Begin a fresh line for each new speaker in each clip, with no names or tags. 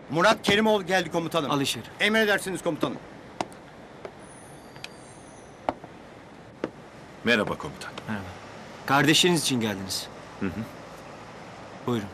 Murat Kerimoğlu geldi komutanım.
Al içeri.
Emredersiniz komutanım.
Merhaba komutan.
Merhaba. Kardeşiniz için geldiniz. Buyurun.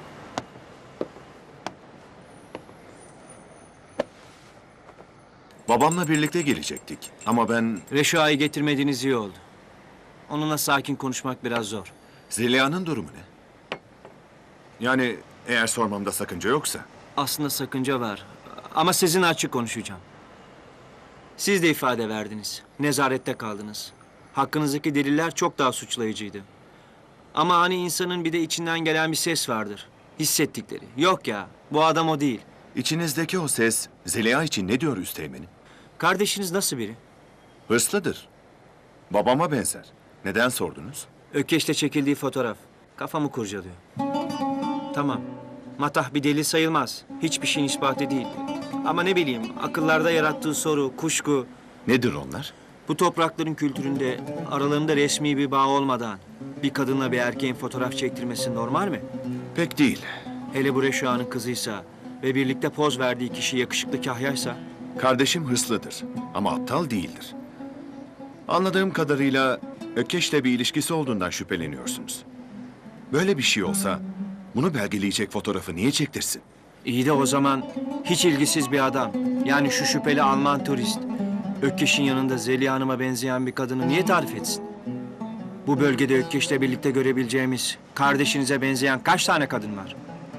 Babamla birlikte gelecektik ama ben
Reşa'yı getirmediğiniz iyi oldu. Onunla sakin konuşmak biraz zor.
Zeliha'nın durumu ne? Yani eğer sormamda sakınca yoksa.
Aslında sakınca var. Ama sizinle açık konuşacağım. Siz de ifade verdiniz. Nezarette kaldınız. Hakkınızdaki deliller çok daha suçlayıcıydı. Ama hani insanın bir de içinden gelen bir ses vardır. Hissettikleri. Yok ya, bu adam o değil.
İçinizdeki o ses Zeliha için ne diyor üsteğmenim?
Kardeşiniz nasıl biri?
Hırslıdır. Babama benzer. Neden sordunuz?
Ökkeş'te çekildiği fotoğraf. Kafamı kurcalıyor. Tamam. Matah bir delil sayılmaz. Hiçbir şeyin ispatı değil. Ama ne bileyim, akıllarda yarattığı soru, kuşku...
Nedir onlar?
Bu toprakların kültüründe aralarında resmi bir bağ olmadan bir kadınla bir erkeğin fotoğraf çektirmesi normal mi?
Pek değil.
Hele bu Reşa'nın kızıysa ve birlikte poz verdiği kişi yakışıklı kahyaysa...
Kardeşim hırslıdır ama aptal değildir. Anladığım kadarıyla Ökkeş'le bir ilişkisi olduğundan şüpheleniyorsunuz. Böyle bir şey olsa bunu belgeleyecek fotoğrafı niye çektirsin?
İyi de o zaman hiç ilgisiz bir adam, yani şu şüpheli Alman turist... Ökkeş'in yanında Zeliha Hanım'a benzeyen bir kadını niye tarif etsin? Bu bölgede Ökkeş'le birlikte görebileceğimiz, kardeşinize benzeyen kaç tane kadın var?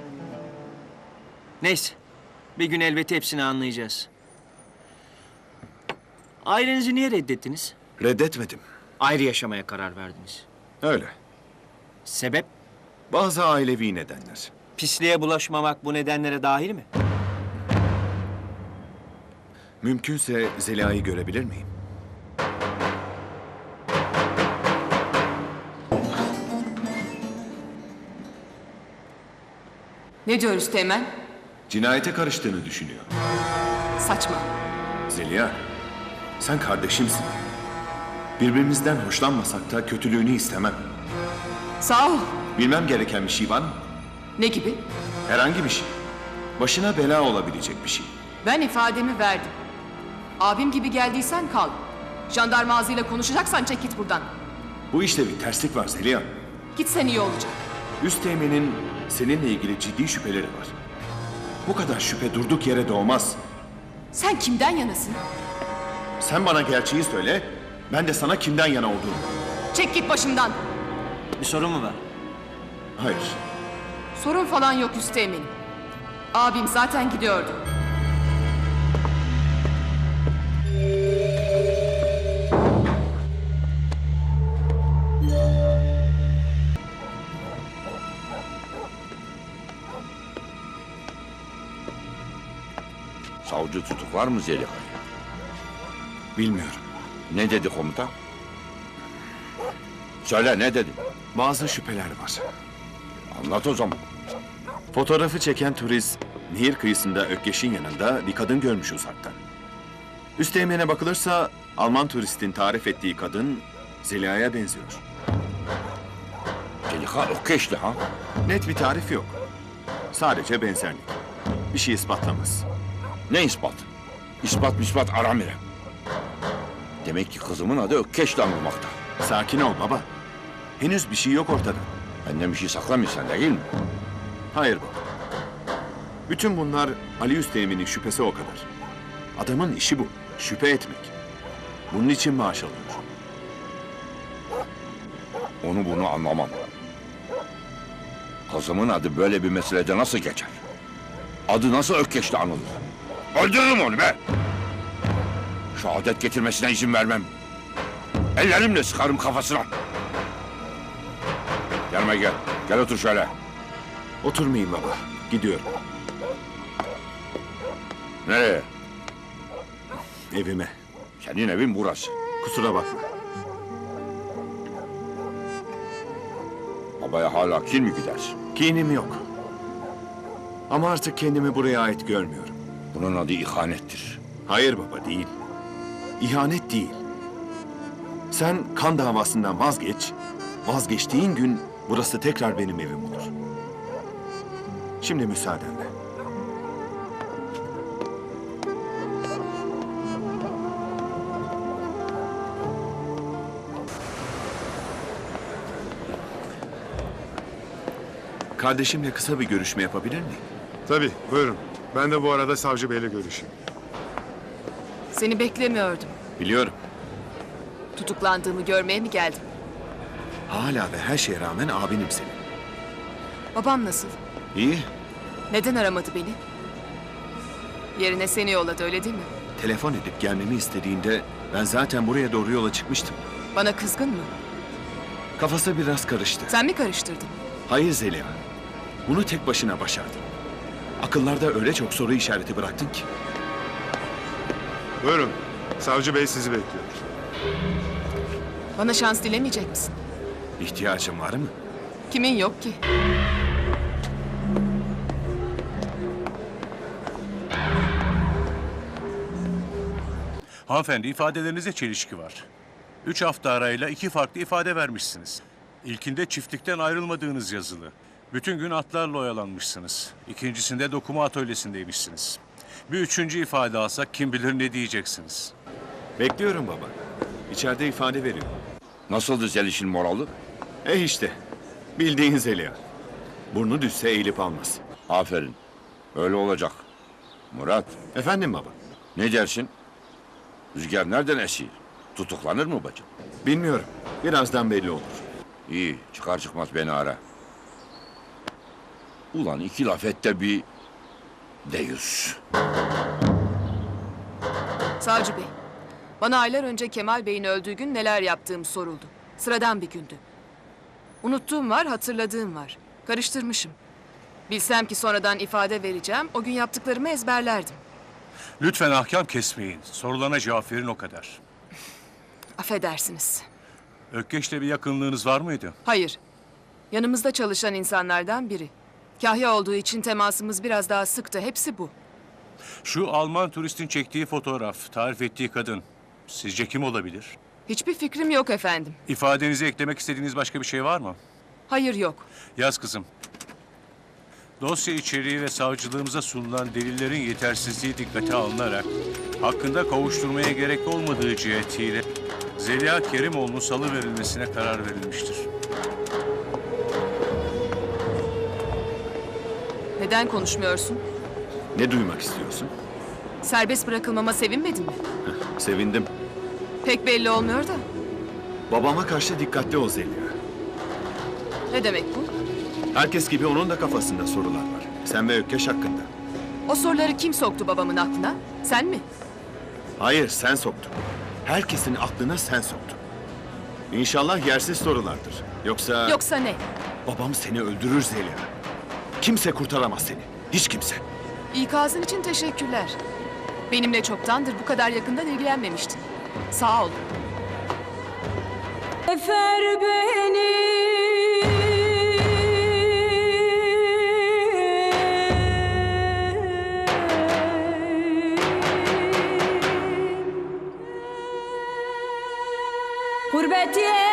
Neyse, bir gün elbette hepsini anlayacağız. Ailenizi niye reddettiniz?
Reddetmedim.
Ayrı yaşamaya karar verdiniz.
Öyle.
Sebep?
Bazı ailevi nedenler.
Pisliğe bulaşmamak bu nedenlere dahil mi?
Mümkünse Zeliha'yı görebilir miyim?
Ne diyoruz Teğmen?
Cinayete karıştığını düşünüyor.
Saçma.
Zeliha, sen kardeşimsin. Birbirimizden hoşlanmasak da kötülüğünü istemem.
Sağ ol.
Bilmem gereken bir şey var mı?
Ne gibi?
Herhangi bir şey. Başına bela olabilecek bir şey.
Ben ifademi verdim. Abim gibi geldiysen kal. Jandarma ağzıyla konuşacaksan çek git buradan.
Bu işte bir terslik var Zeliha.
Gitsen iyi olacak.
Üsteğmen'in seninle ilgili ciddi şüpheleri var. Bu kadar şüphe durduk yere doğmaz.
Sen kimden yanasın?
Sen bana gerçeği söyle, ben de sana kimden yana olduğumu.
Çek git başımdan.
Bir sorun mu var?
Hayır.
Sorun falan yok Üsteğmen'im. Abim zaten gidiyordu.
Savcı tutuklar mı Zeliha'yı?
Bilmiyorum.
Ne dedi komutan? Söyle ne dedi?
Bazı şüpheler var.
Anlat o zaman.
Fotoğrafı çeken turist, nehir kıyısında Ökkeş'in yanında bir kadın görmüş uzaktan. Üsteğmen'e bakılırsa Alman turistin tarif ettiği kadın Zeliha'ya benziyor.
Zeliha Ökkeş'ti ha?
Net bir tarif yok. Sadece benzerlik. Bir şey ispatlamaz.
Ne ispat? İspat aramire. Demek ki kızımın adı Ökkeş'le anılmakta.
Sakin ol baba. Henüz bir şey yok ortada.
Benden bir şey saklamıyorsun değil mi?
Hayır baba. Bütün bunlar Ali Üsteğmen'in şüphesi o kadar. Adamın işi bu. Şüphe etmek. Bunun için maaş alıyor.
Onu bunu anlamam. Kızımın adı böyle bir meselede nasıl geçer? Adı nasıl Ökkeş'le anılır? Öldürürüm onu be! Şehadet getirmesine izin vermem. Ellerimle sıkarım kafasına. Gelme gel. Gel otur şöyle.
Oturmayayım baba. Gidiyorum.
Nereye?
Evime.
Senin evin burası.
Kusura bakma.
Babaya hala kin mi gidersin?
Kinim yok. Ama artık kendimi buraya ait görmüyorum.
Bunun adı ihanettir.
Hayır baba değil. İhanet değil. Sen kan davasından vazgeç. Vazgeçtiğin gün burası tekrar benim evim olur. Şimdi müsaadenle. Kardeşimle kısa bir görüşme yapabilir miyim?
Tabii, buyurun. Ben de bu arada savcı beyle görüşeyim.
Seni beklemiyordum.
Biliyorum.
Tutuklandığımı görmeye mi geldin?
Hala ve her şeye rağmen abinim senin.
Babam nasıl?
İyi.
Neden aramadı beni? Yerine seni yolladı, öyle değil mi?
Telefon edip gelmemi istediğinde ben zaten buraya doğru yola çıkmıştım.
Bana kızgın mı?
Kafası biraz karıştı.
Sen mi karıştırdın?
Hayır Zeliha. Bunu tek başına başardın. Akıllarda öyle çok soru işareti bıraktın ki.
Buyurun, savcı bey sizi bekliyor.
Bana şans dilemeyecek misin?
İhtiyacın var mı?
Kimin yok ki?
Hanımefendi, ifadelerinizde çelişki var. 3 hafta arayla 2 farklı ifade vermişsiniz. İlkinde çiftlikten ayrılmadığınız yazılı. Bütün gün atlarla oyalanmışsınız. İkincisinde dokuma atölyesindeymişsiniz. Bir üçüncü ifade alsak kim bilir ne diyeceksiniz.
Bekliyorum baba. İçeride ifade veriyor.
Nasıldı Zeliş'in moralı?
İşte. Bildiğin Zeliha. Burnu düşse eğilip almaz.
Aferin. Öyle olacak. Murat,
Efendim baba?
ne dersin? Rüzgar nereden esiyor? Tutuklanır mı bacım?
Bilmiyorum. Birazdan belli olur.
İyi, çıkar çıkmaz beni ara. Ulan iki laf et de bir deyüz.
Savcı Bey, bana aylar önce Kemal Bey'in öldüğü gün neler yaptığım soruldu. Sıradan bir gündü. Unuttuğum var, hatırladığım var. Karıştırmışım. Bilsem ki sonradan ifade vereceğim, o gün yaptıklarımı ezberlerdim.
Lütfen ahkam kesmeyin. Sorulana cevap verin o kadar.
Affedersiniz.
Ökkeş'le bir yakınlığınız var mıydı?
Hayır, yanımızda çalışan insanlardan biri. Kahya olduğu için temasımız biraz daha sıktı, hepsi bu.
Şu Alman turistin çektiği fotoğraf, tarif ettiği kadın. Sizce kim olabilir?
Hiçbir fikrim yok efendim.
İfadenize eklemek istediğiniz başka bir şey var mı?
Hayır yok.
Yaz kızım. Dosya içeriği ve savcılığımıza sunulan delillerin yetersizliği dikkate alınarak hakkında kovuşturmaya gerek olmadığı cihetiyle Zeliha Kerimoğlu'nun salı verilmesine karar verilmiştir.
Neden konuşmuyorsun?
Ne duymak istiyorsun?
Serbest bırakılmama sevinmedin mi?
Sevindim.
Pek belli olmuyor da.
Babama karşı dikkatli ol Zeliha.
Ne demek bu?
Herkes gibi onun da kafasında sorular var. Sen ve Ökkeş hakkında.
O soruları kim soktu babamın aklına? Sen mi?
Hayır, sen soktun. Herkesin aklına sen soktun. İnşallah yersiz sorulardır. Yoksa...
Yoksa ne?
Babam seni öldürür Zeliha. Kimse kurtaramaz seni. Hiç kimse.
İkazın için teşekkürler. Benimle çoktandır bu kadar yakından ilgilenmemiştin. Sağ ol.
Efer beni gurbet